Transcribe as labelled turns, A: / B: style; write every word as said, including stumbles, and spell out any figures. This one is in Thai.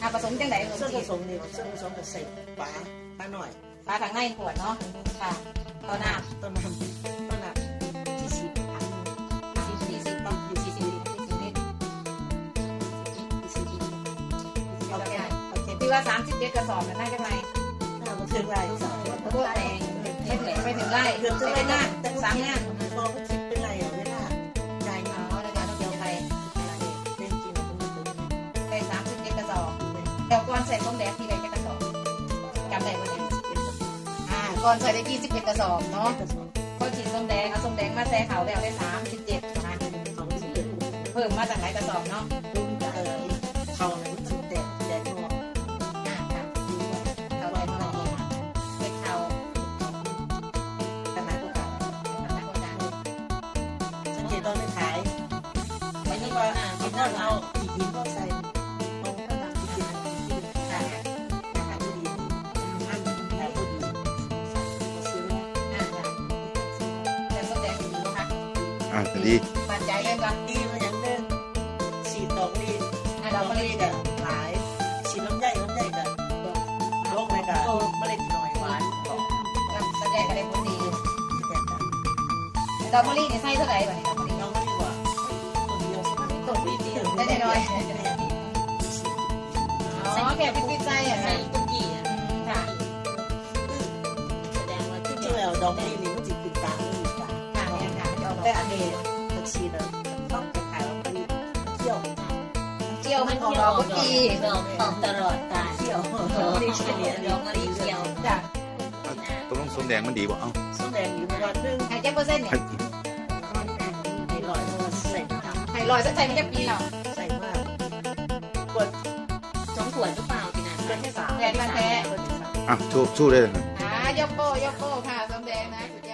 A: ผสมจังไหนขนม
B: ส่วนผ
A: จีน
B: สมนี่ส่วนผสมกับใส่ปลาปลาหน่อย
A: ปลาทางในขวดเนาะค่ะต้นน้
B: ต้นน้ำต้นน้ำที่สีอัน
A: ำสี่สี่สิบอยู่สี่สิบสี่สิบลิตร
B: ที่สีโอเคโอเค
A: ที่ว่าสามสิบเจ็ดกระสอบน่าจะไง
B: น่ามาถึงไรสาว
A: พวกแตงเม็ดเหล็กไปถึงไร่
B: เกือบจะ
A: ไป
B: ไร
A: ถึง
B: หน้าง
A: าสามงาน
B: พอคิดเป็นไรอ่ะเวลาใจ
A: อ๋
B: เนาะ
A: อในการเดียวไป
B: เล่นจริงมันเป็น
A: ไปสามสิบเจ็ดกระสอบแต่ก่อนใส่ส้มแดงที่ใดจะกระสอบจำได้ไหมอ่าก่อนใส่ได้ยี่สิบเอ็ดกระสอบเนาะพอฉีดส้มแดงเอาส้มแดงมาใส่เขาแล้วได้สามสิบเจ็ดนะเพิ่มมาจากไหนกระสอบเนาะ
B: รุ่นเออเขาเนี่ยมันแดดแดดงอก
A: อ่าค่ะเขาได้เท่าไหร่เป็นเขา
B: ขนาดพวกเราสังเกตตอนไปขายไม่ใช่ว่ากินแล้วเอาอีกกินก็ใส่ตรงข้างหลังที่กินที่ขายขายผู้ดีอันขายผู้ดีซื้อ
A: อ่าค่ะแต่ส้มแดงดีค่ะ
C: อ่าดี
A: มั่นใจเลยก่อน
B: ดีมาอย่างเดิมสีดอกลี
A: อ่า
B: ด
A: เรา
B: อก
A: ก็เล
B: ลี
A: ย
B: กับหลายสีน้ำใหญ่น้ำใหญ่กับโรคในกับเมล็ดหน่อยหวานของ
A: ส้มแดงก็ได้ผลดี
B: แตกต่าง
A: ดอกมะลินี่ใส่เท่าไหร่บ้างดอกมะลิ
B: น้องไม่ดีกว่าตัวเดียวใช่ไหมตัวเดียว
A: ได้น้อยอ๋อแค่พิพิธใจอ่ะ
D: ใส่
A: นะ
D: กุกี้อ่ะ
A: ค่ะ
D: แสดงว่า
B: จริงๆแล้วดอกลีนี่มันจะติดตามไม่ติดตาม
A: ค่ะเนี่ยค่ะเดี๋ยว
B: แต่อันนี้ตักซีนต้องไปขายดอกลีเที่ยว
A: เจียวมันของดอกกุจี
D: ดอกออกตลอดกาล
B: เที่ยว
D: ดอก
B: ลี
D: มะ
B: เฉลี่ย
D: ลิดอกมะลิเขียว
A: จ้ะ
C: ตกลงส้มแดงมันดีบ่เอ้า
B: ส้มแดงอยู่ประมาณนึง
A: ไฮเจ็ดเปอร์เซ็นต์เนี่ย
B: ในร้อยตัวใส่ท
A: ไฮลอยสักใจมันจะปีเนาะ
B: ำใส่มากกด
D: สองขวดหรือเปล่าพี่นัน
B: กดที่สาม
A: แดงมันแท้
B: กดที่สาม
C: อ่ะสู้สู้ได้เลยนะ
A: อ่ายกโป้ยกโป้ค่ะส้มแดงนะสุด